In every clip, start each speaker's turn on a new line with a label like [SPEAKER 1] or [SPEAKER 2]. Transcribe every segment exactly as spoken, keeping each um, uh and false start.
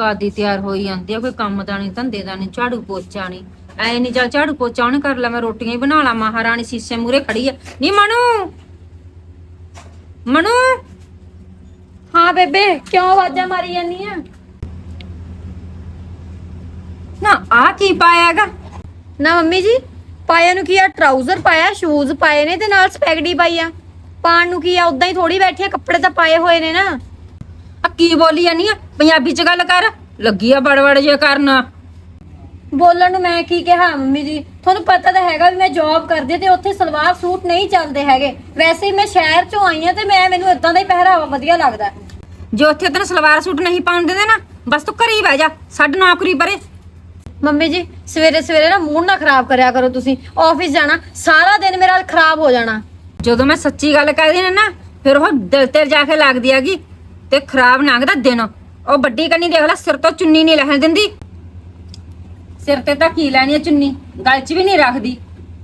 [SPEAKER 1] ਕਾਦੀ ਤਿਆਰ ਹੋਈ ਜਾਂਦੀ ਆ, ਕੋਈ ਕੰਮ ਦਾ ਨਹੀਂ, ਧੰਦੇ ਦਾ ਨਹੀਂ, ਝਾੜੂ ਪੋਚਾ ਨਹੀਂ। ਐ ਨਹੀਂ ਚੱਲ ਝਾੜੂ ਪੋਚਾ ਉਹਨੇ ਕਰ ਲਾ, ਮੈਂ ਰੋਟੀਆਂ ਹੀ ਬਣਾ ਲਾ। ਮਹਾਰਾਣੀ ਸੀਸੇ ਮੂਰੇ ਖੜੀ ਆ। ਨੀ ਮਨੂ, ਮਨੂ।
[SPEAKER 2] ਹਾਂ ਬੇਬੇ, ਕਿਉਂ ਆਵਾਜ਼ਾਂ ਮਾਰੀ ਜਾਂਦੀ ਆ?
[SPEAKER 1] ਨਾ ਆ ਕੀ ਪਾਇਆਗਾ?
[SPEAKER 2] ਨਾ ਮੰਮੀ ਜੀ, ਪਾਇਆ ਨੂੰ ਕੀ ਆ? ਟਰਾਊਜ਼ਰ ਪਾਇਆ, ਸ਼ੂਜ਼ ਪਾਏ ਨੇ ਤੇ ਨਾਲ ਸਪੈਗਡੀ ਪਾਈ ਆ। ਪਾਣ ਨੂੰ ਕੀ ਆ? ਉਦਾਂ ਹੀ ਥੋੜੀ ਬੈਠੀ ਆ, ਕੱਪੜੇ ਤਾਂ ਪਾਏ ਹੋਏ ਨੇ ਨਾ।
[SPEAKER 1] ਆ ਕੀ ਬੋਲੀ ਜਾਨੀ ਆ? ਪੰਜਾਬੀ ਚ ਗੱਲ ਕਰ। ਲੱਗੀ ਆ ਬੜਬੜ ਜੇ ਕਰਨਾ।
[SPEAKER 2] ਬੋਲਣ ਨੂੰ ਮੈਂ ਕੀ ਕਿਹਾ ਮੰਮੀ ਜੀ? ਤੁਹਾਨੂੰ ਪਤਾ ਤਾਂ ਹੈਗਾ ਵੀ ਮੈਂ ਜੌਬ ਕਰਦੀ ਤੇ ਉੱਥੇ ਸਲਵਾਰ ਸੂਟ ਨਹੀਂ ਚੱਲਦੇ ਹੈਗੇ। ਵੈਸੇ ਹੀ ਮੈਂ ਸ਼ਹਿਰ ਚੋਂ ਆਈ ਆ ਤੇ ਮੈਂ ਮੈਨੂੰ ਇਦਾਂ ਦਾ ਹੀ ਪਹਿਰਾਵਾ ਵਧੀਆ ਲੱਗਦਾ।
[SPEAKER 1] ਜੇ ਉੱਥੇ ਤੈਨੂੰ ਸਲਵਾਰ ਸੂਟ ਨਹੀਂ ਪਾਉਣ ਦਿੰਦੇ ਨਾ, ਬਸ ਤੂੰ ਘਰੇ ਹੀ ਬਹਿ ਜਾ, ਛੱਡ ਨੌਕਰੀ ਪਰੇ।
[SPEAKER 2] ਮੰਮੀ ਜੀ ਸਵੇਰੇ ਸਵੇਰੇ ਨਾ ਮੂਡ ਨਾ ਖਰਾਬ ਕਰਿਆ ਕਰੋ। ਤੁਸੀਂ ਆਫਿਸ ਜਾਣਾ, ਸਾਰਾ ਦਿਨ ਮੇਰਾ ਖਰਾਬ ਹੋ ਜਾਣਾ।
[SPEAKER 1] ਜਦੋਂ ਮੈਂ ਸੱਚੀ ਗੱਲ ਕਰਦੀ ਨਾ ਫਿਰ ਉਹ ਦਿਲ ਤੇ ਜਾ ਕੇ ਲੱਗਦੀ ਹੈਗੀ ਤੇ ਖਰਾਬ ਲੰਘਦਾ ਦਿਨ। ਉਹ ਵੱਡੀ ਕੰਨੀ ਦੇਖ ਲੈ, ਸਿਰ ਤੋਂ ਚੁੰਨੀ ਨਹੀਂ ਲੈਣ ਦਿੰਦੀ। ਸਿਰ ਤੇ ਤਾਂ ਕੀ ਲੈਣੀ ਹੈ ਚੁੰਨੀ, ਗਲ 'ਚ ਵੀ ਨਹੀਂ ਰੱਖਦੀ।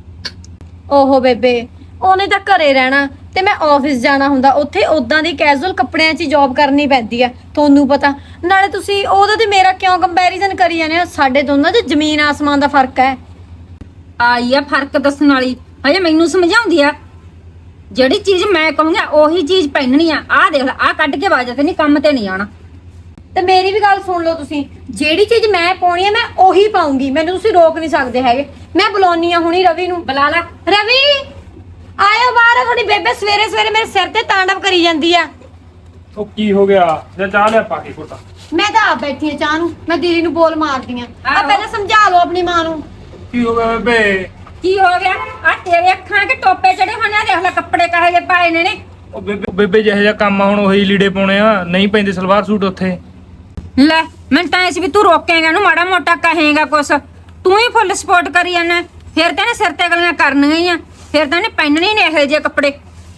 [SPEAKER 2] ਓਹੋ ਬੇਬੇ, ਉਹਨੇ ਤਾਂ ਘਰੇ ਰਹਿਣਾ ਤੇ ਮੈਂ ਆਫਿਸ ਜਾਣਾ ਹੁੰਦਾ। ਉੱਥੇ ਉਦਾਂ ਦੀ ਕੈਜੂਅਲ ਕੱਪੜਿਆਂ 'ਚ ਜੌਬ ਕਰਨੀ ਪੈਂਦੀ ਆ, ਤੁਹਾਨੂੰ ਪਤਾ। ਨਾਲੇ ਤੁਸੀਂ ਉਹਦਾ ਤੇ ਮੇਰਾ ਕਿਉਂ ਕੰਪੈਰੀਜ਼ਨ ਕਰੀ ਜਾਂਦੇ ਹੋ? ਸਾਡੇ ਦੋਨਾਂ 'ਚ ਜ਼ਮੀਨ ਆਸਮਾਨ ਦਾ ਫਰਕ ਹੈ।
[SPEAKER 1] ਆਈ ਆ ਫਰਕ ਦੱਸਣ ਵਾਲੀ, ਹਜੇ ਮੈਨੂੰ ਸਮਝਾਉਂਦੀ ਆ। ਜਿਹੜੀ ਚੀਜ਼ ਮੈਂ ਕਹੂੰਗਾ ਉਹੀ ਚੀਜ਼ ਪਹਿਨਣੀ ਆ। ਆਹ ਦੇਖ ਲੈ, ਆਹ ਕੱਢ ਕੇ ਬਾਜਾ ਤੇ ਨਹੀਂ, ਕੰਮ ਤੇ ਨਹੀਂ ਆਣਾ।
[SPEAKER 2] ਤੇ ਮੇਰੀ ਵੀ ਗੱਲ ਸੁਣ ਲਓ ਤੁਸੀਂ, ਜਿਹੜੀ ਚੀਜ਼ ਮੈਂ ਪਾਉਣੀ ਹੈ ਮੈਂ ਉਹੀ ਪਾਉਂਗੀ। ਮੈਨੂੰ ਤੁਸੀਂ ਰੋਕ ਨਹੀਂ ਸਕਦੇ ਹੈਗੇ। ਮੈਂ ਬੁਲਾਉਣੀ ਆ ਹੁਣੀ ਰਵੀ ਨੂੰ।
[SPEAKER 1] ਬੁਲਾ ਲੈ।
[SPEAKER 2] ਰਵੀ ਆਇਓ ਬਾਹਰ। ਤੁਹਾਡੀ ਬੇਬੇ ਸਵੇਰੇ ਸਵੇਰੇ ਮੇਰੇ ਸਿਰ ਤੇ ਤਾਂਡਵ ਕਰੀ ਜਾਂਦੀ ਆ।
[SPEAKER 3] ਉਹ ਕੀ ਹੋ ਗਿਆ? ਜਾਂ ਚਾਹ ਲਿਆ ਪਾ ਕੇ ਘੁੱਟਾ।
[SPEAKER 2] ਮੈਂ ਤਾਂ ਆਪ ਬੈਠੀ ਆ ਚਾਹ ਨੂੰ, ਮੈਂ ਦੀਦੀ ਨੂੰ ਬੋਲ ਮਾਰਦੀ ਆ। ਆ ਪਹਿਲਾਂ ਸਮਝਾ ਲਓ ਆਪਣੀ ਮਾਂ ਨੂੰ।
[SPEAKER 3] ਕੀ ਹੋ ਗਿਆ ਬੇਬੇ?
[SPEAKER 1] ਕੀ ਹੋ ਗਿਆ? ਆ ਤੇਰੇ ਅੱਖਾਂ ਕੇ ਟੋਪੇ ਚੜੇ ਹੋਣੇ ਆ, ਦੇਖ ਲੈ ਕੱਪੜੇ ਕਹੇ ਜੇ ਪਾਏ ਨੇ ਨੇ।
[SPEAKER 3] ਉਹ ਬੇਬੇ ਬੇਬੇ ਜਿਹੇ ਜਿਹਾ ਕੰਮ ਆ, ਹੁਣ ਉਹੀ ਲੀੜੇ ਪਾਉਣੇ ਆ, ਨਹੀਂ ਪੈਂਦੇ ਸਲਵਾਰ ਸੂਟ ਉੱਥੇ।
[SPEAKER 1] ਲੈ ਮੈਂ ਤਾਂ ਇਸ ਵੀ ਤੂੰ ਰੋਕੇਗਾ ਨੂੰ, ਮਾੜਾ ਮੋਟਾ ਕਹੇਗਾ ਕੁਛ। ਤੂੰ ਹੀ ਫੁੱਲ ਸਪੋਰਟ ਕਰੀ ਜਾਂਦਾ। ਫਿਰ ਤਾਂ ਇਹਨੇ ਸਿਰ ਤੇ ਗਲੀਆਂ ਕਰਨੀਆਂ ਹੀ ਆ, ਫਿਰ ਤਾਂ ਇਹਨੇ ਪਹਿਨਣੇ ਨੇ ਇਹੋ ਜਿਹੇ ਕੱਪੜੇ।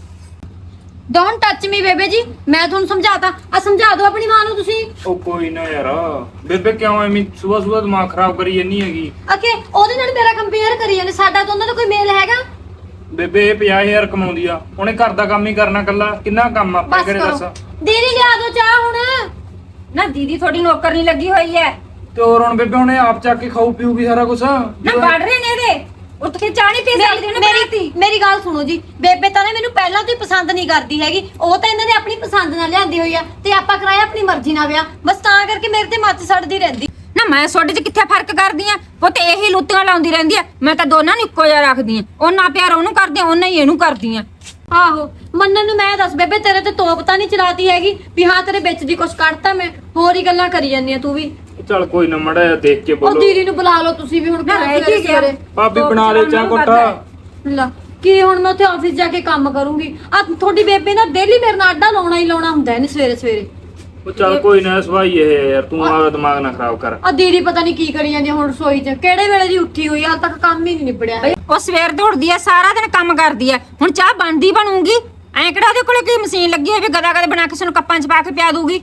[SPEAKER 2] ਡੋਂਟ ਟੱਚ ਮੀ ਬੇਬੇ ਜੀ, ਮੈਂ ਤੁਹਾਨੂੰ ਸਮਝਾਤਾ। ਆ ਸਮਝਾ ਦਿਓ ਆਪਣੀ ਮਾਂ ਨੂੰ ਤੁਸੀਂ।
[SPEAKER 3] ਉਹ ਕੋਈ ਨਾ ਯਾਰ, ਬੇਬੇ ਕਿਉਂ ਐਵੇਂ ਸੁਬਹ ਸੁਬਹ ਦਿਮਾਗ ਖਰਾਬ ਕਰੀ ਜਾਂਦੀ ਹੈਗੀ?
[SPEAKER 2] ਅਕੇ ਉਹਦੇ ਨਾਲ ਮੇਰਾ ਕੰਪੇਅਰ ਕਰੀ ਜਾਂਦੇ। ਸਾਡਾ ਦੋਨਾਂ ਦਾ ਕੋਈ ਮੇਲ ਹੈਗਾ?
[SPEAKER 3] ਬੇਬੇ ਇਹ ਪੰਜਾਹ ਹਜ਼ਾਰ ਕਮਾਉਂਦੀ ਆ, ਉਹਨੇ ਘਰ ਦਾ ਕੰਮ ਹੀ ਕਰਨਾ ਕੱਲਾ। ਕਿੰਨਾ ਕੰਮ ਆ ਆਪਣੇ
[SPEAKER 2] ਬਸ
[SPEAKER 3] ਕਿਹੜੇ ਦੱਸ?
[SPEAKER 2] ਕਰੋ, ਦੀਦੀ ਲਿਆ ਦੋ ਚਾਹ ਹੁਣ।
[SPEAKER 1] ਨਾ ਦੀਦੀ ਥੋੜੀ ਨੌਕਰ ਨਹੀਂ ਲੱਗੀ ਹੋਈ ਐ।
[SPEAKER 3] ਤੇ ਹੋਰ ਹੁਣ ਬੇਬੇ ਹੁਣੇ ਆਪ ਚੱਕ ਕੇ ਖਾਊ ਪੀਊਗੀ ਸਾਰਾ ਕੁਝ।
[SPEAKER 1] ਨਾ ਵੜ ਰਹੇ ਨੇ ਇਹਦੇ, ਉੱਠ ਕੇ ਚਾਹ ਨਹੀਂ ਪੀ ਸਕਦੀ ਉਹਨੇ ਬਣਾਤੀ।
[SPEAKER 2] ਮੇਰੀ ਮੇਰੀ ਗੱਲ ਸੁਣੋ ਜੀ, ਬੇਬੇ ਤਾਂ ਨੇ ਮੈਨੂੰ ਪਹਿਲਾਂ ਤੋਂ ਹੀ ਪਸੰਦ ਨਹੀਂ ਕਰਦੀ ਹੈਗੀ। ਉਹ ਤਾਂ ਇਹਨਾਂ ਨੇ ਆਪਣੀ ਪਸੰਦ ਨਾਲ ਲਿਆਂਦੀ ਹੋਈ ਆ ਤੇ ਆਪਾਂ ਕਰਾਇਆ ਆਪਣੀ ਮਰਜ਼ੀ ਨਾਲ ਵਿਆਹ। ਬਸ ਤਾਂ ਕਰਕੇ ਮੇਰੇ ਤੇ ਮੱਤ ਸੜਦੀ ਰਹਿੰਦੀ।
[SPEAKER 1] ਨਾ ਮੈਂ ਤੁਹਾਡੇ 'ਚ ਕਿੱਥੇ ਫਰਕ ਕਰਦੀ ਆ? ਉਹ ਤੇ ਇਹੀ ਲੁੱਤੀਆਂ ਲਾਉਂਦੀ ਰਹਿੰਦੀ ਆ। ਮੈਂ ਤਾਂ ਦੋਨਾਂ ਨੂੰ ਇੱਕੋ ਜਿਹਾ ਰੱਖਦੀ ਆ। ਉਹਨਾਂ ਪਿਆਰ ਉਹਨੂੰ ਕਰਦੀ ਆ, ਉਹਨਾਂ ਹੀ ਇਹਨੂੰ ਕਰਦੀ ਆ।
[SPEAKER 2] ਆਹੋ ਮੰਨਣ ਨੂੰ ਮੈਂ ਦੱਸ ਬੇਬੇ, ਤੇਰੇ ਤੇ ਤੋਪ ਤਾਂ ਨਹੀਂ ਚਲਾਤੀ ਹੈਗੀ ਵੀ ਹਾਂ ਤੇਰੇ ਵਿੱਚ ਦੀ ਕੁਛ ਕੱਢਤਾ ਮੈਂ? ਹੋਰ ਹੀ ਗੱਲਾਂ ਕਰੀ ਜਾਂਦੀ ਆ ਤੂੰ ਵੀ।
[SPEAKER 3] ਚੱਲ ਕੋਈ ਨਾ, ਮੜਾ ਜਿਹਾ ਦੇਖ ਕੇ
[SPEAKER 2] ਉਹ
[SPEAKER 3] ਬੋਲੋ।
[SPEAKER 2] ਦੀਦੀ ਨੂੰ ਬੁਲਾ ਲਓ ਤੁਸੀਂ ਵੀ ਹੁਣ।
[SPEAKER 1] ਨਾ ਰਹਿ ਕੀ ਗਿਆ?
[SPEAKER 3] ਭਾਬੀ ਬਣਾ ਲੈ ਚਾਹ ਘੁੱਟਾ।
[SPEAKER 2] ਲਾ ਕੀ ਹੁਣ ਮੈਂ ਉੱਥੇ ਆਫਿਸ ਜਾ ਕੇ ਕੰਮ ਕਰੂੰਗੀ? ਆ ਤੁਹਾਡੀ ਬੇਬੇ ਨਾ ਡੇਲੀ ਮੇਰੇ ਨਾਲ ਅੱਡਾ ਲਾਉਣਾ ਹੀ ਲਾਉਣਾ ਹੁੰਦਾ ਇਹਨੇ ਸਵੇਰੇ ਸਵੇਰੇ।
[SPEAKER 3] ਉਹ ਚੱਲ ਕੋਈ ਨਾ, ਸਵਾਈ ਇਹ ਹੈ ਯਾਰ, ਤੂੰ ਆਪਦਾ ਦਿਮਾਗ ਨਾ ਖਰਾਬ ਕਰ।
[SPEAKER 2] ਆ ਦੀਦੀ ਪਤਾ ਨਹੀਂ ਕੀ ਕਰੀ ਜਾਂਦੀ ਆ ਹੁਣ ਰਸੋਈ 'ਚ। ਕਿਹੜੇ ਵੇਲੇ ਦੀ ਉੱਠੀ ਹੋਈ ਆ, ਹਾਲ ਤੱਕ ਕੰਮ ਹੀ ਨਹੀਂ ਨਿਬੜਿਆ।
[SPEAKER 1] ਉਹ ਸਵੇਰ ਦੌੜਦੀ ਆ, ਸਾਰਾ ਦਿਨ ਕੰਮ ਕਰਦੀ ਆ। ਹੁਣ ਚਾਹ ਬਣਦੀ ਬਣੂਗੀ। ਐਂ ਕਿਹੜਾ ਉਹਦੇ ਕੋਲੇ ਕੀ ਮਸ਼ੀਨ ਲੱਗੀ ਹੋਈ ਵੀ ਗਦਾ ਗਦਾ ਬਣਾ ਕੇ ਸਾਨੂੰ ਕੱਪਾਂ 'ਚ ਪਾ ਕੇ ਪਿਆ ਦੂਗੀ?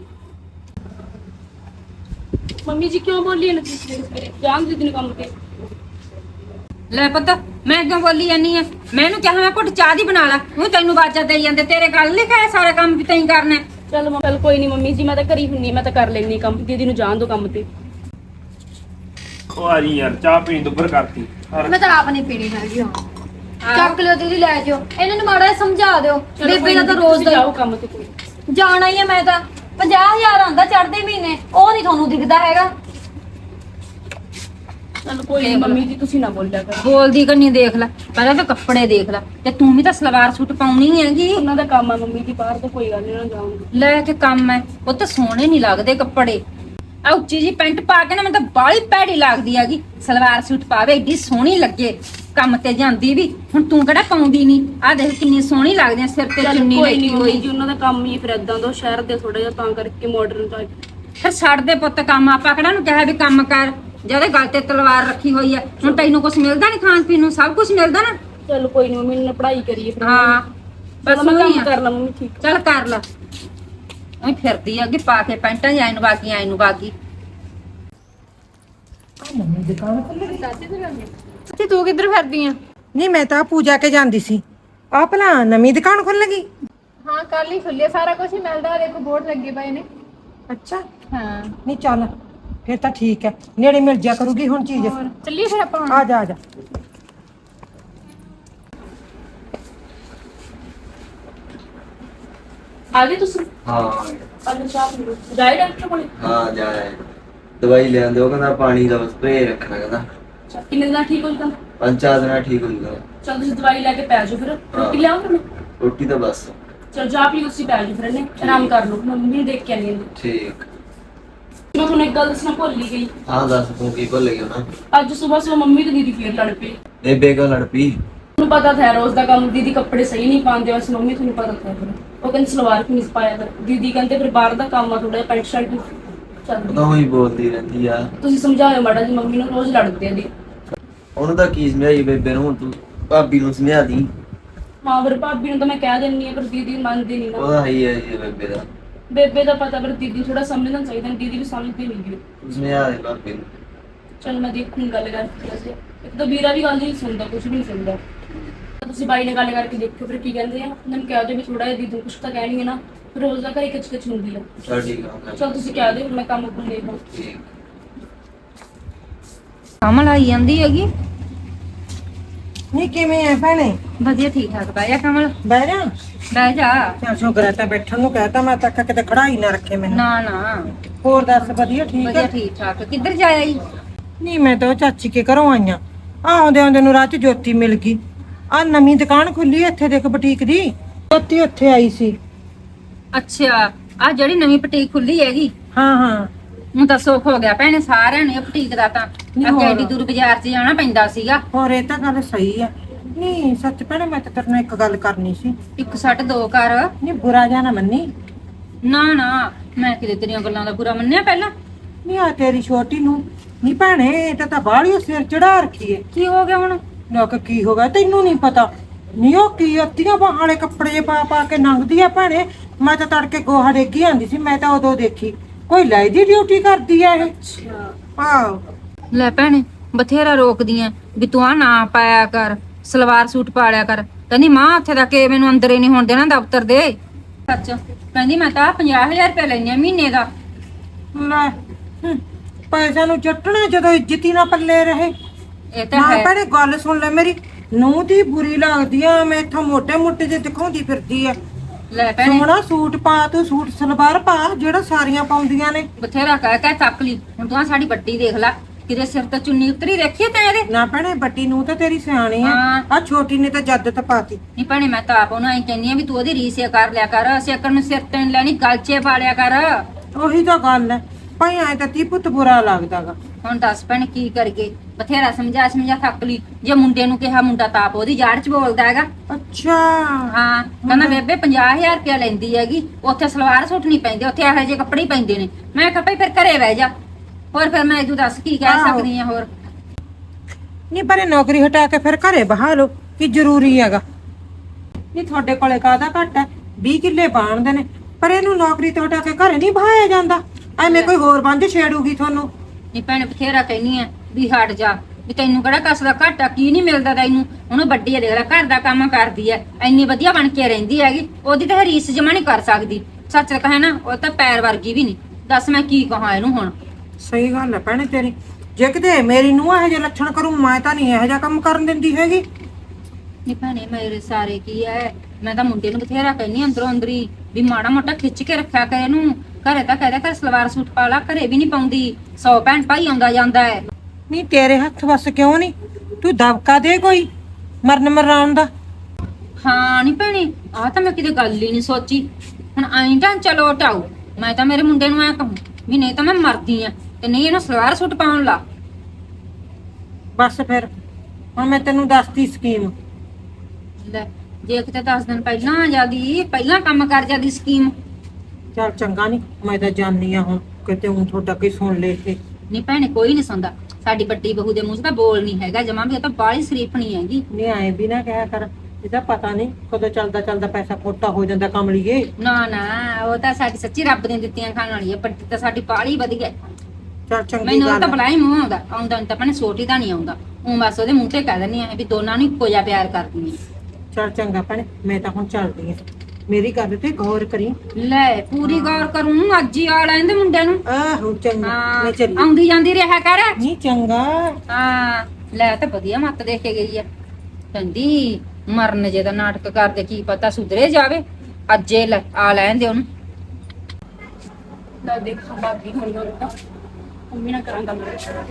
[SPEAKER 4] ਮੰਮੀ ਜੀ ਕਿਉਂ ਬੋਲੀ ਨਾ ਤੁਸੀਂ ਸਵੇਰੇ ਜਾਣ ਦੇ ਦਿਨ ਕੰਮ ਤੇ?
[SPEAKER 1] ਲੈ ਪੁੱਤ, ਮੈਂ ਕਿਉਂ ਬੋਲੀ ਜਾਨੀ ਆ? ਮੈਨੂੰ ਕਿਹਾ ਮੈਂ ਘੁੱਟ ਚਾਹ ਦੀ ਬਣਾ ਲਾ। ਉਹ ਤੈਨੂੰ ਬਾਜਾ ਦੇਈ ਜਾਂਦੇ, ਤੇਰੇ ਗੱਲ ਲਿਖਿਆ ਸਾਰਾ ਕੰਮ ਵੀ ਤੈਂ ਕਰਨਾ।
[SPEAKER 4] ਚੱਲ ਮ- ਚੱਲ ਕੋਈ ਨਹੀਂ ਮੰਮੀ ਜੀ, ਮੈਂ ਤਾਂ ਘਰੀ ਹੁੰਨੀ, ਮੈਂ ਤਾਂ ਕਰ ਲੈਣੀ ਕੰਮ। ਦੀਦੀ ਨੂੰ ਜਾਣ ਦੋ ਕੰਮ ਤੇ।
[SPEAKER 3] ਉਹ ਆ ਜੀ ਯਾਰ, ਚਾਹ ਪੀਣੀ ਦੁੱਬਰ ਕਰਤੀ।
[SPEAKER 2] ਮੈਂ ਤਾਂ ਆਪ ਨਹੀਂ ਪੀਣੀ ਹੈਗੀ ਹੁਣ। ਚੱਕ ਲਿਓ ਦੀਦੀ, ਲੈ ਜਿਓ ਇਹਨਾਂ ਨੂੰ। ਮਾੜਾ ਜਿਹਾ ਸਮਝਾ ਦਿਓ। ਬੇਬੇ ਦਾ ਤਾਂ ਰੋਜ਼ ਦਾ
[SPEAKER 4] ਜਾਓ ਕੰਮ ਤੇ। ਕੋਈ
[SPEAKER 2] ਜਾਣਾ ਹੀ ਆ। ਮੈਂ ਤਾਂ ਪੰਜਾਹ ਹਜ਼ਾਰ ਆਉਂਦਾ ਚੜ੍ਹਦੇ ਮਹੀਨੇ, ਉਹ ਨਹੀਂ ਤੁਹਾਨੂੰ ਦਿਖਦਾ ਹੈਗਾ।
[SPEAKER 4] ਚੱਲ ਕੋਈ ਨਹੀਂ ਮੰਮੀ ਜੀ, ਤੁਸੀਂ ਨਾ ਬੋਲਿਆ ਕਰੋ।
[SPEAKER 1] ਬੋਲਦੀ ਕੰਨੀ ਦੇਖ ਲੈ, ਪਹਿਲਾਂ ਤਾਂ ਕੱਪੜੇ ਦੇਖ ਲੈ। ਤੇ ਤੂੰ ਵੀ ਤਾਂ ਸਲਵਾਰ ਸੂਟ ਪਾਉਣੀ ਹੈਗੀ।
[SPEAKER 4] ਉਹਨਾਂ ਦਾ ਕੰਮ ਆ ਮੰਮੀ ਜੀ, ਬਾਹਰ ਤਾਂ ਕੋਈ ਗੱਲ ਨਹੀਂ, ਨਾ ਜਾਊਂਗੀ।
[SPEAKER 1] ਲੈ ਕੇ ਕੰਮ ਹੈ, ਉਹ ਤਾਂ ਸੋਹਣੇ ਨਹੀਂ ਲੱਗਦੇ ਕੱਪੜੇ। ਆ ਉੱਚੀ ਜੀ ਪੈਂਟ ਪਾ ਕੇ ਨਾ ਮੈਨੂੰ ਤਾਂ ਬਾਹਲੀ ਭੈੜੀ ਲੱਗਦੀ ਹੈਗੀ। ਸਲਵਾਰ ਸੂਟ ਪਾਵੇ ਏਡੀ ਸੋਹਣੀ ਲੱਗੇ, ਕੰਮ ਤੇ ਜਾਂਦੀ ਵੀ। ਹੁਣ ਤੂੰ ਕਿਹੜਾ ਪਾਉਂਦੀ ਨਹੀਂ? ਆ ਦੇਖ ਕਿੰਨੀ ਸੋਹਣੀ ਲੱਗਦੀ ਆ, ਸਿਰ ਤੇ
[SPEAKER 4] ਚੱਲ
[SPEAKER 1] ਚੁੰਨੀ
[SPEAKER 4] ਕੋਈ
[SPEAKER 1] ਲੱਗੀ
[SPEAKER 4] ਨਹੀਂ ਮੰਮੀ
[SPEAKER 1] ਹੋਈ।
[SPEAKER 4] ਜੀ, ਉਹਨਾਂ ਦਾ ਕੰਮ ਹੀ ਫਿਰ ਏਦਾਂ ਦਾ, ਸ਼ਹਿਰ ਦੇ ਥੋੜਾ ਜਿਹਾ ਤਾਂ ਕਰਕੇ ਮਾਡਰਨ ਟਾਈਪ।
[SPEAKER 1] ਫਿਰ ਛੱਡ ਦੇ ਪੁੱਤ ਕੰਮ। ਆਪਾਂ ਕਿਹੜਾ ਨੂੰ ਕਿਹਾ ਵੀ ਕੰਮ ਕਰ, ਜਿਹਦੇ ਗਲ ਤੇ ਤਲਵਾਰ ਰੱਖੀ ਹੋਈ ਆ। ਹੁਣ ਤੈਨੂੰ ਕੁਝ ਮਿਲਦਾ ਨਹੀਂ ਖਾਣ ਪੀਣ ਨੂੰ? ਸਭ ਕੁਝ ਮਿਲਦਾ ਨਾ।
[SPEAKER 4] ਚੱਲ ਕੋਈ ਨਹੀਂ ਮੰਮੀ ਨੇ ਪੜ੍ਹਾਈ ਕਰੀਏ ਫਿਰ।
[SPEAKER 1] ਹਾਂ
[SPEAKER 4] ਬਸ
[SPEAKER 1] ਬਸ
[SPEAKER 4] ਮੈਂ
[SPEAKER 1] ਉਹੀ
[SPEAKER 4] ਕੰਮ
[SPEAKER 1] ਆ।
[SPEAKER 4] ਕਰ ਲਾਂ ਮੰਮੀ, ਠੀਕ।
[SPEAKER 1] ਚੱਲ ਕਰ ਲੈ। ਉਹ ਫਿਰਦੀ ਆ ਅੱਗੇ ਪਾ ਕੇ ਪੈਂਟਾਂ ਜਾਂ ਇਹਨੂੰ ਬਾਗੀ ਐ ਨੂੰ ਬਾਗੀ।
[SPEAKER 2] ਤੇ ਤੂੰ ਕਿੱਧਰ ਫਿਰਦੀ ਆ?
[SPEAKER 5] ਨਹੀਂ ਮੈਂ ਤਾਂ ਪੂਜਾ ਕੇ ਜਾਂਦੀ ਸੀ। ਆ ਭਲਾ ਨਵੀਂ ਦੁਕਾਨ ਖੁੱਲ ਗਈ?
[SPEAKER 6] ਹਾਂ ਕੱਲ ਹੀ ਖੁੱਲਿਆ, ਸਾਰਾ ਕੁਝ ਹੀ ਮਿਲਦਾ। ਦੇਖੋ ਬੋਰਡ ਲੱਗੇ ਪਏ ਨੇ।
[SPEAKER 5] ਅੱਛਾ।
[SPEAKER 6] ਹਾਂ
[SPEAKER 5] ਨਹੀਂ ਚੱਲ ਫਿਰ ਤਾਂ ਠੀਕ ਹੈ, ਨੇੜੇ ਮਿਲ ਜਾ ਕਰੂਗੀ ਹੁਣ ਚੀਜ਼।
[SPEAKER 1] ਚੱਲੀਏ ਫਿਰ ਆਪਾਂ
[SPEAKER 5] ਆ ਜਾ ਆ ਜਾ।
[SPEAKER 4] ਆ ਗਏ ਤੁਸੀਂ?
[SPEAKER 6] ਹਾਂ
[SPEAKER 4] ਪੰਜ ਚਾਹ ਪੀ ਲਓ। ਜਾਏ ਡਾਕਟਰ ਕੋਲ?
[SPEAKER 6] ਹਾਂ ਜਾ ਆਏ। ਦਵਾਈ ਲਿਆਂਦੇ, ਉਹ ਕਹਿੰਦਾ ਪਾਣੀ ਦਾ ਸਪਰੇ ਰੱਖਣਾ, ਕਹਿੰਦਾ
[SPEAKER 4] ਅੱਛਾ, ਕਿੰਨੇ ਦਿਨਾਂ ਠੀਕ ਹੋ ਜਾਊਗਾ?
[SPEAKER 6] ਪੰਜ ਚਾਰ ਦਿਨਾਂ ਠੀਕ ਹੋ ਜੂਗਾ।
[SPEAKER 4] ਚਲ ਤੁਸੀਂ ਦਵਾਈ ਲੈ ਕੇ ਪੈ ਜਾਓ ਫਿਰ। ਰੋਟੀ ਲਿਆਓ ਤੁਹਾਨੂੰ?
[SPEAKER 6] ਰੋਟੀ ਤਾਂ ਬਸ।
[SPEAKER 4] ਚਲ ਜਾ ਪੀ ਤੁਸੀਂ ਪੈ ਜਾਓ ਫਿਰ ਨੇ ਆਰਾਮ ਕਰ ਲਓ। ਮੰਮੀ ਨੂੰ ਦੇਖ ਕੇ ਆਣੀ
[SPEAKER 6] ਠੀਕ।
[SPEAKER 4] ਮੈਂ ਤੁਹਾਨੂੰ ਇੱਕ ਗੱਲ ਦੱਸਣਾ ਭੁੱਲ ਹੀ ਗਈ।
[SPEAKER 6] ਹਾਂ ਦੱਸ, ਤੂੰ ਕੀ ਭੁੱਲ ਗਿਆ ਨਾ?
[SPEAKER 4] ਅੱਜ ਸਵੇਰ ਸਵੇਰ ਮੰਮੀ ਤੇ ਦੀਦੀ ਫੇਰ ਲੜ ਪਏ।
[SPEAKER 6] ਬੇਬੇ ਕੋ ਲੜ ਪਈ?
[SPEAKER 4] ਤੁਹਾਨੂੰ ਪਤਾ ਤਾਂ ਹੈ ਰੋਜ਼ ਦਾ ਕੰਮ, ਦੀਦੀ ਕੱਪੜੇ ਸਹੀ ਨਹੀਂ ਪਾਉਂਦੇ, ਬਸ ਮੰਮੀ ਤੁਹਾਨੂੰ ਪਤਾ ਤਾਂ ਹੈ ਫਿਰ। ਉਹ ਕਹਿੰਦੇ ਸਲਵਾਰ ਕਮੀਜ਼ ਪਾਇਆ ਕਰ, ਦੀਦੀ ਕਹਿੰਦੇ ਫਿਰ ਬਾਹਰ ਦਾ ਕੰਮ ਆ ਥੋੜਾ ਜਿਹਾ ਪੈਂਟ ਸ਼ਰਟ ਚੱਲਦੀ।
[SPEAKER 6] ਉਹਦਾ ਹੀ ਬੋਲਦੀ ਰਹਿੰਦੀ ਆ।
[SPEAKER 4] ਤੁਸੀਂ ਸਮਝਾਇਓ ਮਾੜਾ ਜੀ, ਮੰਮੀ ਨੂੰ ਰੋਜ਼ ਲੜਦੇ ਆ ਦੀ।
[SPEAKER 6] ਉਹਨੂੰ ਤਾਂ ਕੀ ਸਮਝਾਈ ਬੇਬੇ ਨੂੰ, ਹੁਣ ਤੂੰ ਭਾਬੀ ਨੂੰ ਸਮਝਾ ਦੀ।
[SPEAKER 4] ਹਾਂ ਫਿਰ ਭਾਬੀ ਨੂੰ ਤਾਂ ਮੈਂ ਕਹਿ ਦਿੰਨੀ ਆ, ਪਰ ਦੀਦੀ ਮੰਨਦੀ ਨਹੀਂ ਨਾ।
[SPEAKER 6] ਉਹਦਾ ਹੈ ਹੀ ਹੈ ਜੀ ਬੇਬੇ ਦਾ।
[SPEAKER 4] ਬੇਬੇ ਦਾ ਪਤਾ, ਪਰ ਦੀਦੀ ਥੋੜਾ ਸਮਝਣਾ ਚਾਹੀਦਾ, ਦੀਦੀ ਵੀ ਸਮਝਦੀ ਨਹੀਂ ਗੀ।
[SPEAKER 6] ਤੂੰ ਸਮਝਾ ਦੇ ਭਾਬੀ ਨੂੰ।
[SPEAKER 4] ਚਲ ਮੈਂ ਦੇਖੂੰ ਗੱਲ ਕਰਕੇ ਵੈਸੇ। ਇੱਕ ਤਾਂ ਵੀਰਾ ਵੀ ਗੱਲ ਨਹੀਂ ਸੁਣਦਾ, ਕੁਝ ਵੀ ਨਹੀਂ ਸੁਣਦਾ। ਤੁਸੀਂ ਬਾਈ ਨਾਲ ਗੱਲ ਕਰਕੇ ਦੇਖੋ ਫਿਰ ਕੀ ਕਹਿੰਦੇ ਆ। ਉਹਨਾਂ ਨੂੰ ਕਹਿ ਦਿਓ ਵੀ ਥੋੜਾ ਜਿਹਾ ਦੀਦੀ ਨੂੰ ਕੁਛ ਤਾਂ ਕਹਿਣਗੇ ਨਾ, ਫਿਰ ਰੋਜ਼ ਦਾ ਘਰੇ ਕਿਚ ਕਿਚ ਹੁੰਦੀ ਆ।
[SPEAKER 6] ਚੱਲ ਠੀਕ ਆ।
[SPEAKER 4] ਚਲ ਤੁਸੀਂ ਕਹਿ ਦਿਓ, ਮੈਂ ਕੰਮ ਕਰ ਲੇਗਾ।
[SPEAKER 6] ਠੀਕ।
[SPEAKER 1] ਕਮਲ ਆਈ ਜਾਂਦੀ ਹੈਗੀ।
[SPEAKER 5] ਨਹੀਂ ਕਿਵੇਂ ਐ ਭੈਣੇ?
[SPEAKER 1] ਵਧੀਆ ਠੀਕ ਠਾਕ ਬਹਿ ਜਾ ਕਮਲ,
[SPEAKER 5] ਬਹਿ ਜਾ।
[SPEAKER 1] ਬਹਿ ਜਾ।
[SPEAKER 5] ਚੱਲ ਸ਼ੁਕਰ ਹੈ ਤਾਂ ਬੈਠਣ ਨੂੰ ਕਹਿਤਾ, ਮੈਂ ਤਾਂ ਕਿਤੇ ਖੜਾਈ ਨਾ ਰੱਖੇ ਮੈਨੂੰ।
[SPEAKER 1] ਨਾ ਨਾ
[SPEAKER 5] ਹੋਰ ਦੱਸ, ਵਧੀਆ ਠੀਕ
[SPEAKER 1] ਵਧੀਆ
[SPEAKER 5] ਹੈ?
[SPEAKER 1] ਠੀਕ ਠਾਕ। ਕਿੱਧਰ ਜਾਇਆ ਈ?
[SPEAKER 5] ਨਹੀਂ ਮੈਂ ਤਾਂ ਉਹ ਚਾਚੀ ਕੇ ਘਰੋਂ ਆਈਆਂ। ਆ ਆਉਂਦੇ ਆਉਂਦੇ ਨੂੰ ਰਾਹ 'ਚ ਜੋਤੀ ਮਿਲ ਗਈ। ਆ ਨਵੀਂ ਦੁਕਾਨ ਖੁੱਲੀ ਐ ਇੱਥੇ, ਦੇਖ ਬੁਟੀਕ ਦੀ। ਜੋਤੀ ਉੱਥੇ ਆਈ ਸੀ।
[SPEAKER 1] ਅੱਛਾ, ਆ ਜਿਹੜੀ ਨਵੀਂ ਬੁਟੀਕ ਖੁੱਲੀ ਹੈਗੀ,
[SPEAKER 5] ਹਾਂ ਹਾਂ।
[SPEAKER 1] ਹੁਣ ਤਾਂ ਸੁੱਖ ਹੋ ਗਿਆ ਭੈਣੇ ਸਾਰਿਆਂ ਨੂੰ ਇਹ ਬੁਟੀਕ ਦਾ। ਤਾਂ
[SPEAKER 5] ਨਹੀਂ
[SPEAKER 1] ਅੱਗੇ
[SPEAKER 5] ਹੋਰ।
[SPEAKER 1] ਐਡੀ ਦੂਰ ਬਾਜ਼ਾਰ 'ਚ ਜਾਣਾ ਪੈਂਦਾ ਸੀਗਾ।
[SPEAKER 5] ਹੋਰ ਇਹ ਤਾਂ ਗੱਲ ਸਹੀ ਆ। ਨਹੀਂ ਸੱਚ ਭੈਣੇ, ਮੈਂ ਤਾਂ ਤੇਰੇ ਨਾਲ ਇੱਕ ਗੱਲ ਕਰਨੀ ਸੀ।
[SPEAKER 1] ਇੱਕ ਸੱਟ ਦੋ ਕਰ।
[SPEAKER 5] ਨਹੀਂ ਬੁਰਾ ਜਾ ਨਾ ਮੰਨੀ।
[SPEAKER 1] ਨਾ ਨਾ, ਮੈਂ ਕਿਤੇ ਤੇਰੀਆਂ ਗੱਲਾਂ ਦਾ ਬੁਰਾ ਮੰਨਿਆ ਪਹਿਲਾਂ?
[SPEAKER 5] ਨਹੀਂ ਆ ਤੇਰੀ ਛੋਟੀ ਨੂੰ। ਨਹੀਂ ਭੈਣੇ, ਇਹ ਤਾਂ ਤਾਂ ਬਾਹਲੀ ਸਿਰ ਚੜਾ ਰੱਖੀ ਏ।
[SPEAKER 1] ਕੀ ਹੋ ਗਿਆ ਹੁਣ?
[SPEAKER 5] ਲੋਕ ਕੀ ਹੋ ਗਿਆ ਤੈਨੂੰ ਨਹੀਂ ਪਤਾ? ਨਹੀਂ ਉਹ ਕੀ ਅੱਤੀਆਂ ਬਾਹਾਂ ਵਾਲੇ ਕੱਪੜੇ ਜਿਹੇ ਪਾ ਪਾ ਕੇ ਲੰਘਦੀ ਆ ਭੈਣੇ। ਮੈਂ ਤਾਂ ਤੜਕੇ ਗੋਹਾ ਡੇਗੀ ਆਂਦੀ ਸੀ, ਮੈਂ ਤਾਂ ਉਦੋਂ ਦੇਖੀ। ਕੋਈ ਲਾਈ ਦੀ ਡਿਊਟੀ ਕਰਦੀ ਆ ਇਹ।
[SPEAKER 4] ਅੱਛਾ
[SPEAKER 5] ਆਹੋ।
[SPEAKER 1] ਲੈ ਭੈਣੇ, ਬਥੇਰਾ ਰੋਕਦੀਆਂ ਵੀ ਤੂੰ ਆ ਨਾ ਪਾਇਆ ਕਰ, ਸਲਵਾਰ ਸੂਟ ਪਾ ਲਿਆ ਕਰ। ਕਹਿੰਦੀ ਮਾਂ ਉੱਥੇ ਤੱਕ ਇਹ ਮੈਨੂੰ ਅੰਦਰ ਹੀ ਨਹੀਂ ਹੋਣ ਦੇਣਾ ਦਫ਼ਤਰ ਦੇ। ਸੱਚ ਕਹਿੰਦੀ ਮੈਂ ਤਾਂ ਪੰਜਾਹ ਹਜ਼ਾਰ ਰੁਪਏ ਲੈਣੀ ਆ ਮਹੀਨੇ ਦਾ।
[SPEAKER 5] ਲੈ ਹਮ, ਪੈਸਿਆਂ ਨੂੰ ਚੱਟਣਾ ਜਦੋਂ ਇੱਜ਼ਤੀ ਨਾ ਪੱਲੇ ਰਹੇ।
[SPEAKER 1] ਇਹ ਤਾਂ
[SPEAKER 5] ਨਾ
[SPEAKER 1] ਹੈ।
[SPEAKER 5] ਭੈਣੇ ਗੱਲ ਸੁਣ ਲੈ ਮੇਰੀ, ਨੂੰਹ ਦੀ ਬੁਰੀ ਲੱਗਦੀ ਆ। ਮੈਂ ਇੱਥੋਂ ਮੋਟੇ ਮੋਟੇ ਜਿਹੇ ਦਿਖਾਉਂਦੀ ਫਿਰਦੀ ਆ।
[SPEAKER 1] ਲੈ ਭੈਣੇ,
[SPEAKER 5] ਸੋਹਣਾ ਸੂਟ ਪਾ, ਤੂੰ ਸੂਟ ਸਲਵਾਰ ਪਾ ਜਿਹੜਾ ਸਾਰੀਆਂ ਪਾਉਂਦੀਆਂ ਨੇ।
[SPEAKER 1] ਬਥੇਰਾ ਕਹਿ ਕਹਿ ਥੱਕ ਲਈ। ਹੁਣ ਤੂੰ ਆਹ ਸਾਡੀ ਵੱਡੀ ਦੇਖ ਲੈ, ਕਿਤੇ ਸਿਰ ਤੇ ਚੁੰਨੀ ਉਤਰੀ ਦੇਖੀ ਤੈਂ ਇਹਦੇ?
[SPEAKER 5] ਨਾ ਭੈਣੇ, ਵੱਡੀ ਨੂੰ ਤਾਂ ਤੇਰੀ ਸਿਆਣੀ ਆ।
[SPEAKER 1] ਹਾਂ।
[SPEAKER 5] ਆ ਛੋਟੀ ਨੇ ਤਾਂ ਜੱਦ ਤਪਾਤੀ।
[SPEAKER 1] ਨਹੀਂ ਭੈਣੇ, ਮੈਂ ਤਾਂ ਆਪ ਉਹਨੂੰ ਐਂ ਕਹਿੰਦੀ ਆ ਵੀ ਤੂੰ ਉਹਦੀ ਰੀਸ ਕਰ ਲਿਆ ਕਰ। ਸੇਕਰ ਨੂੰ ਸਿਰ ਤੇ ਨੀ ਲੈਣੀ, ਗਲਚੇ ਪਾ ਲਿਆ ਕਰ।
[SPEAKER 5] ਉਹੀ ਤਾਂ ਗੱਲ ਹੈ ਭਾਈ, ਐ ਤਾਂ ਤੀ ਪੁੱਤ ਬੁਰਾ ਲੱਗਦਾਗਾ।
[SPEAKER 1] ਹੁਣ ਦੱਸ ਭੈਣੇ ਕੀ ਕਰੀਏ? ਬਥੇਰਾ ਸਮਝਾ ਸਮਝਾ ਥੱਕ ਲਈ। ਜੇ ਮੁੰਡੇ ਨੂੰ ਕਿਹਾ, ਮੁੰਡਾ ਤਾਂ ਆਪ ਉਹਦੀ ਜਾੜ 'ਚ ਬੋਲਦਾ ਹੈਗਾ।
[SPEAKER 5] ਅੱਛਾ।
[SPEAKER 1] ਹਾਂ, ਕਹਿੰਦਾ ਬੇਬੇ ਪੰਜਾਹ ਹਜ਼ਾਰ ਰੁਪਇਆ ਲੈਂਦੀ ਹੈਗੀ, ਉੱਥੇ ਸਲਵਾਰ ਸੂਟ ਨਹੀਂ ਪੈਂਦੇ, ਉੱਥੇ ਇਹੋ ਜਿਹੇ ਕੱਪੜੇ ਹੀ ਪੈਂਦੇ ਨੇ। ਮੈਂ ਕਿਹਾ ਭਾਈ ਫਿਰ ਘਰੇ ਬਹਿ ਜਾ। ਹੋਰ ਫਿਰ ਮੈਂ ਤੂੰ ਦੱਸ ਕੀ ਕਹਿ
[SPEAKER 5] ਆਹੋ।
[SPEAKER 1] ਸਕਦੀ ਆ ਹੋਰ?
[SPEAKER 5] ਨਹੀਂ ਪਰ ਇਹ ਨੌਕਰੀ ਹਟਾ ਕੇ ਫਿਰ ਘਰੇ ਬਹਾ ਲਓ, ਕੀ ਜ਼ਰੂਰੀ ਹੈਗਾ? ਨਹੀਂ ਤੁਹਾਡੇ ਕੋਲੇ ਕਾਹਦਾ ਘੱਟ ਹੈ, ਵੀਹ ਕਿੱਲੇ ਬਾਣਦੇ ਨੇ। ਪਰ ਇਹਨੂੰ ਨੌਕਰੀ ਤੋਂ ਹਟਾ ਕੇ ਘਰੇ ਨਹੀਂ ਬਹਾਇਆ ਜਾਂਦਾ। ਐਵੇਂ ਕੋਈ ਹੋਰ ਬੰਦ ਛੇੜੂਗੀ ਤੁਹਾਨੂੰ।
[SPEAKER 1] ਨਹੀਂ ਭੈਣੇ, ਬਥੇਰਾ ਕਹਿਨੀ ਆ ਵੀ ਹਟ ਜਾ, ਵੀ ਤੈਨੂੰ ਕਿਹੜਾ ਕਸਦਾ ਘਾਟਾ, ਕੀ ਨਹੀਂ ਮਿਲਦਾ ਤੈਨੂੰ? ਉਹਨੂੰ ਵੱਡੀ ਆ, ਦੇਖ ਲੈ ਘਰ ਦਾ ਕੰਮ ਕਰਦੀ ਐ, ਇੰਨੀ ਵਧੀਆ ਬਣ ਕੇ ਰਹਿੰਦੀ ਹੈਗੀ। ਉਹਦੀ ਤਾਂ ਰੀਸ ਜਮਾ ਨਹੀਂ ਕਰ ਸਕਦੀ। ਸੱਚ ਕਹੇ ਨਾ, ਉਹ ਤਾਂ ਪੈਰ ਵਰਗੀ ਵੀ ਨਹੀਂ। ਦੱਸ ਮੈਂ ਕੀ ਕਹਾਂ ਇਹਨੂੰ ਹੁਣ?
[SPEAKER 5] ਸਹੀ ਗੱਲ ਹੈ ਭੈਣੇ ਤੇਰੀ। ਜੇ ਕਿਤੇ ਮੇਰੀ ਨੂੰਹ ਇਹੋ ਜਿਹੇ ਲੱਛਣ ਕਰੂ, ਮੈਂ ਤਾਂ ਨਹੀਂ ਇਹੋ ਜਿਹਾ ਕੰਮ ਕਰਨ ਦਿੰਦੀ ਹੈਗੀ।
[SPEAKER 1] ਨਹੀਂ ਭੈਣੇ, ਮੇਰੇ ਸਾਰੇ ਕੀ ਐ, ਮੈਂ ਤਾਂ ਮੁੰਡੇ ਨੂੰ ਬਥੇਰਾ ਕਹਿੰਨੀ ਅੰਦਰੋਂ ਅੰਦਰੀ ਵੀ ਮਾੜਾ ਮੋਟਾ ਖਿੱਚ ਕੇ ਰੱਖਿਆ ਕਰ ਇਹਨੂੰ। ਘਰੇ ਤਾਂ ਕਹਿਦਾ ਕਰ ਸਲਵਾਰ ਸੂਟ ਪਾ ਲਾ, ਘਰੇ ਵੀ ਨਹੀਂ ਪਾਉਂਦੀ। ਸੌ ਭੈਣ ਭਾਈ ਆਉਂਦਾ ਜਾਂਦਾ ਹੈ।
[SPEAKER 5] ਨਹੀਂ ਤੇਰੇ ਹੱਥ ਵਸ ਕਿਉਂ ਨਹੀਂ? ਤੂੰ ਦਬਕਾ ਦੇ ਕੋਈ ਮਰਨ ਮਰਾਉਣ ਦਾ।
[SPEAKER 1] ਹਾਂ ਨਹੀਂ ਭੈਣੇ, ਆਹ ਤਾਂ ਮੈਂ ਕਿਤੇ ਗੱਲ ਹੀ ਨਹੀਂ ਸੋਚੀ। ਹੁਣ ਆਈ ਤਾਂ ਚਲੋ ਟਾਉ, ਮੈਂ ਤਾਂ ਮੇਰੇ ਮੁੰਡੇ ਨੂੰ ਐ ਕਹੂੰ ਵੀ ਨਹੀਂ ਤਾਂ ਮੈਂ ਮਰਦੀ ਆ, ਤੇ ਨਹੀਂ ਇਹਨੂੰ ਸਲਵਾਰ ਸੂਟ ਪਾਉਣ ਲਾ।
[SPEAKER 5] ਬਸ ਫਿਰ ਹੁਣ ਮੈਂ ਤੈਨੂੰ ਦੱਸਦੀ ਸਕੀਮ।
[SPEAKER 1] ਲੈ, ਜੇ ਕਿਤੇ ਦਸ ਦਿਨ ਪਹਿਲਾਂ ਆ ਜਾਂਦੀ, ਪਹਿਲਾਂ ਕੰਮ ਕਰ ਜਾਂਦੀ ਸਕੀਮ।
[SPEAKER 5] ਚੱਲ ਚੰਗਾ, ਨਹੀਂ ਮੈਂ ਤਾਂ ਜਾਣੀ ਆ ਹੁਣ, ਕਿਤੇ ਹੁਣ ਤੁਹਾਡਾ ਕੋਈ ਸੁਣ ਲੇ ਤੇ।
[SPEAKER 1] ਨਹੀਂ ਭੈਣੇ, ਕੋਈ ਨਹੀਂ ਸੁਣਦਾ। ਸਾਡੀ ਵੱਡੀ ਬਹੂ ਦੇ ਮੂੰਹ 'ਚ ਤਾਂ ਬੋਲ ਨਹੀਂ ਹੈਗਾ ਜਮਾ ਵੀ, ਉਹ ਤਾਂ ਬਾਹਲੀ ਸ਼ਰੀਫ ਨਹੀਂ ਹੈਗੀ।
[SPEAKER 5] ਨਹੀਂ ਆਏ ਵੀ ਨਾ ਕਹਿਆ ਕਰ, ਇਹਦਾ ਪਤਾ ਨਹੀਂ ਕਦੋਂ ਚੱਲਦਾ ਚੱਲਦਾ ਪੈਸਾ ਖੋਟਾ ਹੋ ਜਾਂਦਾ ਕਮਲੀਏ।
[SPEAKER 1] ਨਾ ਨਾ, ਉਹ ਤਾਂ ਸਾਡੀ ਸੱਚੀ ਰੱਬ ਨੇ ਦਿੱਤੀਆਂ ਖਾਣ ਵਾਲੀ ਹੈ, ਵੱਡੀ ਤਾਂ ਸਾਡੀ ਬਾਹਲੀ ਵਧੀਆ।
[SPEAKER 5] ਚੱਲ ਚੰਗੀ
[SPEAKER 1] ਮੈਨੂੰ ਉਹ
[SPEAKER 5] ਗੱਲ
[SPEAKER 1] ਤਾਂ
[SPEAKER 5] ਆ।
[SPEAKER 1] ਬਲਾਈ ਮੂੰਹ ਆਉਂਦਾ ਆਉਂਦਾ ਨੀ ਤਾਂ ਭੈਣੇ ਛੋਟੀ ਦਾ ਨਹੀਂ ਆਉਂਦਾ। ਉਹ ਬਸ ਉਹਦੇ ਮੂੰਹ ਤੇ ਕਹਿ ਦਿੰਦੀ ਆ ਵੀ ਦੋਨਾਂ ਨੂੰ ਇੱਕੋ ਜਿਹਾ ਪਿਆਰ ਕਰਦੀ ਆ।
[SPEAKER 5] ਚੱਲ ਚੰਗਾ ਭੈਣੇ, ਮੈਂ ਤਾਂ ਹੁਣ ਚੱਲਦੀ ਆ। ਮੇਰੀ ਗੱਲ ਤੇ ਗੌਰ ਕਰੀ।
[SPEAKER 1] ਲੈ ਪੂਰੀ ਗੌਰ ਕਰੂੰ, ਅੱਜ ਹੀ ਆ ਲੈਂਦੇ ਮੁੰਡੇ ਨੂੰ।
[SPEAKER 5] ਆਹੋ ਚੰਗਾ,
[SPEAKER 1] ਹਾਂ
[SPEAKER 5] ਮੈਂ ਚੱਲੀ।
[SPEAKER 1] ਆਉਂਦੀ ਜਾਂਦੀ ਰਿਹਾ ਕਰ।
[SPEAKER 5] ਨਹੀਂ ਚੰਗਾ।
[SPEAKER 1] ਹਾਂ ਲੈ ਤਾਂ ਵਧੀਆ ਮੱਤ ਦੇ ਕੇ ਗਈ ਆ। ਕਹਿੰਦੀ ਮਰਨ ਜੇ ਦਾ ਨਾਟਕ ਕਰਦੇ, ਕੀ ਪਤਾ ਸੁਧਰੇ ਜਾਵੇ। ਅੱਜੇ ਲੈ ਆ ਲੈਂਦੇ ਉਹਨੂੰ।
[SPEAKER 4] ਲੈ ਦੇਖ ਬਾਕੀ ਹੁਣ ਤਾਂ ਮੰਮੀ ਨਾਲ ਕਰਾਂ ਗੱਲ।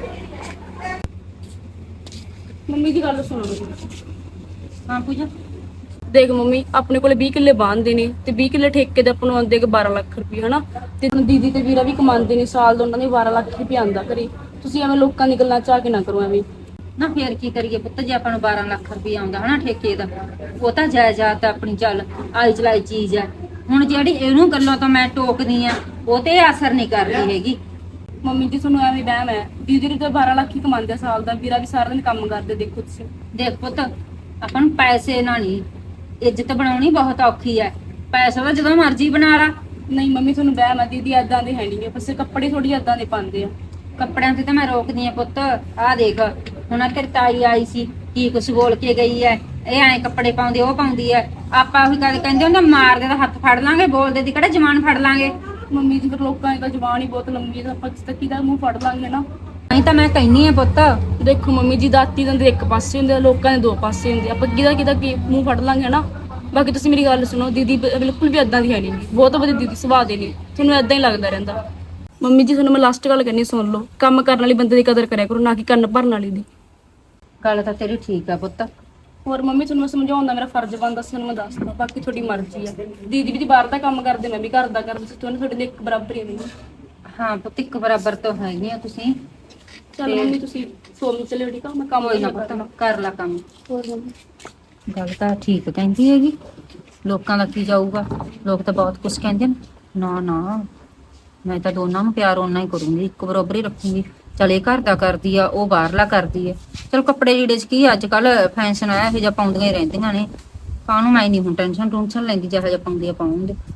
[SPEAKER 4] ਮੰਮੀ ਦੀ ਗੱਲ ਸੁਣੋ ਤੁਸੀਂ।
[SPEAKER 1] ਹਾਂ ਪੂਜਾ,
[SPEAKER 4] ਦੇਖ ਮੰਮੀ, ਆਪਣੇ ਕੋਲੇ ਵੀਹ ਕਿੱਲੇ ਬਾਂਹਦੇ ਨੇ ਤੇ ਵੀਹ ਕਿੱਲੇ ਠੇਕੇ ਦੇ ਆਪਾਂ ਨੂੰ ਆਉਂਦੇ ਕਿ ਬਾਰਾਂ ਲੱਖ ਰੁਪਏ ਹਨਾ। ਤੇ ਹੁਣ ਦੀਦੀ ਤੇ ਵੀਰਾ ਵੀ ਕਮਾਉਂਦੇ ਨੇ, ਸਾਲ ਦਾ ਉਹਨਾਂ ਦੇ ਬਾਰਾਂ ਲੱਖ ਰੁਪਏ ਆਉਂਦਾ ਘਰੇ। ਤੁਸੀਂ ਐਵੇਂ ਲੋਕਾਂ ਦੀ ਗੱਲਾਂ ਚ ਆ ਕੇ ਨਾ ਕਰੋ ਐਵੇਂ।
[SPEAKER 1] ਨਾ ਫੇਰ ਕੀ ਕਰੀਏ ਪੁੱਤ, ਜੇ ਆਪਾਂ ਨੂੰ ਬਾਰਾਂ ਲੱਖ ਰੁਪਏ ਆਉਂਦਾ ਹਨਾ ਠੇਕੇ ਦਾ, ਉਹ ਤਾਂ ਜਾਇਦਾਦ ਤਾਂ ਆਪਣੀ ਚੱਲ ਆਈ ਚਲਾਈ ਚੀਜ਼ ਹੈ। ਹੁਣ ਜਿਹੜੀ ਇਹਨੂੰ ਗੱਲਾਂ ਤੋਂ ਮੈਂ ਟੋਕਦੀ ਆ, ਉਹ ਤੇ ਅਸਰ ਨਹੀਂ ਕਰ ਰਹੀ ਹੈਗੀ।
[SPEAKER 4] ਮੰਮੀ ਜੀ ਤੁਹਾਨੂੰ ਐਵੇਂ ਵਹਿਮ ਹੈ, ਦੀਦੀ ਨੇ ਤਾਂ ਬਾਰਾਂ ਲੱਖ ਹੀ ਕਮਾਉਂਦੇ ਆ ਸਾਲ ਦਾ, ਵੀਰਾ ਵੀ ਸਾਰਾ ਦਿਨ ਕੰਮ ਕਰਦੇ ਦੇਖੋ ਤੁਸੀਂ।
[SPEAKER 1] ਦੇਖ ਪੁੱਤ, ਆਪਾਂ ਨੂੰ ਪੈਸੇ ਨਾਲ ਨਹੀਂ, ਇੱਜ਼ਤ ਬਣਾਉਣੀ ਬਹੁਤ ਔਖੀ ਹੈ। ਪੈਸਾ ਤਾਂ ਜਦੋਂ ਮਰਜ਼ੀ ਬਣਾ ਲਾ।
[SPEAKER 4] ਨਹੀਂ ਮੰਮੀ ਤੁਹਾਨੂੰ ਵਹਿਮ ਹੈ, ਦੀਦੀ ਏਦਾਂ ਦੇ ਹੈ ਨਹੀਂ, ਬਸ ਕੱਪੜੇ ਥੋੜੀ ਏਦਾਂ ਦੇ ਪਾਉਂਦੇ ਆ।
[SPEAKER 1] ਕੱਪੜਿਆਂ ਤੇ ਤਾਂ ਮੈਂ ਰੋਕਦੀ ਆ ਪੁੱਤ। ਆਹ ਦੇਖ ਹੁਣ ਆਹ ਤੇਰੀ ਤਾਈ ਆਈ ਸੀ, ਕੀ ਕੁਛ ਬੋਲ ਕੇ ਗਈ ਐ, ਇਹ ਐਂ ਕੱਪੜੇ ਪਾਉਂਦੀ, ਉਹ ਪਾਉਂਦੀ ਐ। ਆਪਾਂ ਉਹੀ ਕਦੇ ਕਹਿੰਦੇ ਹੁੰਦੇ ਮਾਰਦੇ ਤਾਂ ਹੱਥ ਫੜ ਲਾਂਗੇ, ਬੋਲਦੇ ਦੀ ਕਿਹੜਾ ਜ਼ਬਾਨ ਫੜ ਲਾਂਗੇ।
[SPEAKER 4] ਮੰਮੀ ਜੀ ਫਿਰ ਲੋਕਾਂ ਦੀ ਤਾਂ ਜ਼ੁਬਾਨ ਹੀ ਬਹੁਤ ਲੰਮੀ ਹੈ, ਆਪਾਂ ਕਿਸ ਤੱਕ ਦਾ ਮੂੰਹ ਫੜ ਲਾਂਗੇ ਨਾ।
[SPEAKER 1] ਨਹੀਂ ਤਾਂ ਮੈਂ ਕਹਿੰਨੀ ਆ ਪੁੱਤ,
[SPEAKER 4] ਦੇਖੋ ਮੰਮੀ ਜੀ, ਦਾਤੀ ਦੰਦ ਇੱਕ ਪਾਸੇ ਹੁੰਦੇ ਆ, ਲੋਕਾਂ ਦੇ ਦੋ ਪਾਸੇ ਹੁੰਦੇ ਆ, ਆਪਾਂ ਕਿਹਦਾ ਕਿਹਦਾ ਕੀ ਮੂੰਹ ਫੜ ਲਾਂਗੇ ਨਾ। ਬਾਕੀ ਤੁਸੀਂ ਮੇਰੀ ਗੱਲ ਸੁਣੋ, ਦੀਦੀ ਬ- ਬਿਲਕੁਲ ਵੀ ਏਦਾਂ ਦੀ ਹੈ ਨਹੀਂ, ਬਹੁਤ ਵਧੀਆ ਦੀਦੀ ਸੁਭਾਅ ਦੇ ਨੇ, ਤੁਹਾਨੂੰ ਏਦਾਂ ਹੀ ਲੱਗਦਾ ਰਹਿੰਦਾ। ਮੰਮੀ ਜੀ ਤੁਹਾਨੂੰ ਮੈਂ ਲਾਸਟ ਗੱਲ ਕਹਿੰਨੀ, ਸੁਣ ਲਓ, ਕੰਮ ਕਰਨ ਵਾਲੀ ਬੰਦੇ ਦੀ ਕਦਰ ਕਰਿਆ ਕਰੋ, ਨਾ ਕਿ ਕੰਨ ਭਰਨ ਵਾਲੀ ਦੀ।
[SPEAKER 1] ਗੱਲ ਤਾਂ ਤੇਰੀ ਠੀਕ ਆ ਪੁੱਤ।
[SPEAKER 4] ਹੋਰ ਮੰਮੀ ਤੁਹਾਨੂੰ ਮੈਂ ਸਮਝਾਉਣ ਦਾ ਮੇਰਾ ਫਰਜ਼ ਬਣਦਾ ਸੀ, ਤੁਹਾਨੂੰ ਮੈਂ ਦੱਸਦਾ, ਬਾਕੀ ਤੁਹਾਡੀ ਮਰਜ਼ੀ ਹੈ। ਦੀਦੀ ਵੀ ਬਾਹਰ ਦਾ ਕੰਮ ਕਰਦੇ, ਮੈਂ ਵੀ ਘਰ ਦਾ ਕਰਦੀ ਸੀ, ਤੁਹਾਨੂੰ ਤੁਹਾਡੇ ਦੇ ਇੱਕ ਬਰਾਬਰ ਹੀ ਨਹੀਂ।
[SPEAKER 1] ਹਾਂ ਪੁੱਤ, ਇੱਕ ਬਰਾਬਰ ਤੋਂ ਹੈਗੀ ਆ ਤੁਸੀਂ।
[SPEAKER 4] ਚਲੋ ਮੰਮੀ ਤੁਸੀਂ ਸੋਮ ਚਲੇ ਠੀਕ ਆ, ਮੈਂ ਕੰਮ
[SPEAKER 1] ਕੋਈ ਨਾ
[SPEAKER 4] ਕਰਨਾ।
[SPEAKER 1] ਪੁੱਤ, ਕਰ ਲਾ ਕੰਮ।
[SPEAKER 4] ਹੋਰ ਮੰਮੀ
[SPEAKER 1] ਗੱਲ ਤਾਂ ਠੀਕ ਕਹਿੰਦੀ ਹੈਗੀ, ਲੋਕਾਂ ਦਾ ਕੀ ਜਾਊਗਾ। ਲੋਕ ਤਾਂ ਬਹੁਤ ਕੁਝ ਕਹਿੰਦੇ ਨੇ। ਨਾ ਨਾ, ਮੈਂ ਤਾਂ ਦੋਨਾਂ ਨੂੰ ਪਿਆਰ ਓਨਾ ਹੀ ਕਰੂੰਗੀ, ਇੱਕ ਬਰਾਬਰ ਹੀ ਰੱਖੂੰਗੀ। ਚਲ ਇਹ ਘਰ ਦਾ ਕਰਦੀ ਆ, ਉਹ ਬਾਹਰਲਾ ਕਰਦੀ ਹੈ। ਚਲ ਕੱਪੜੇ ਜਿਹੜੇ ਚ ਕੀ ਅੱਜ ਕੱਲ ਫੈਸ਼ਨ ਆਇਆ, ਇਹ ਜਿਹਾ ਪਾਉਂਦੀਆਂ ਹੀ ਰਹਿੰਦੀਆਂ ਨੇ। ਕਾਹਨੂੰ ਮੈਂ ਨਹੀਂ ਹੁਣ ਟੈਨਸ਼ਨ ਟੂਨਸ਼ਨ ਲੈਂਦੀ, ਜਿਹੋ ਜਿਹਾ ਪਾਉਂਦੀ ਆ ਪਾਉਂਦੇ।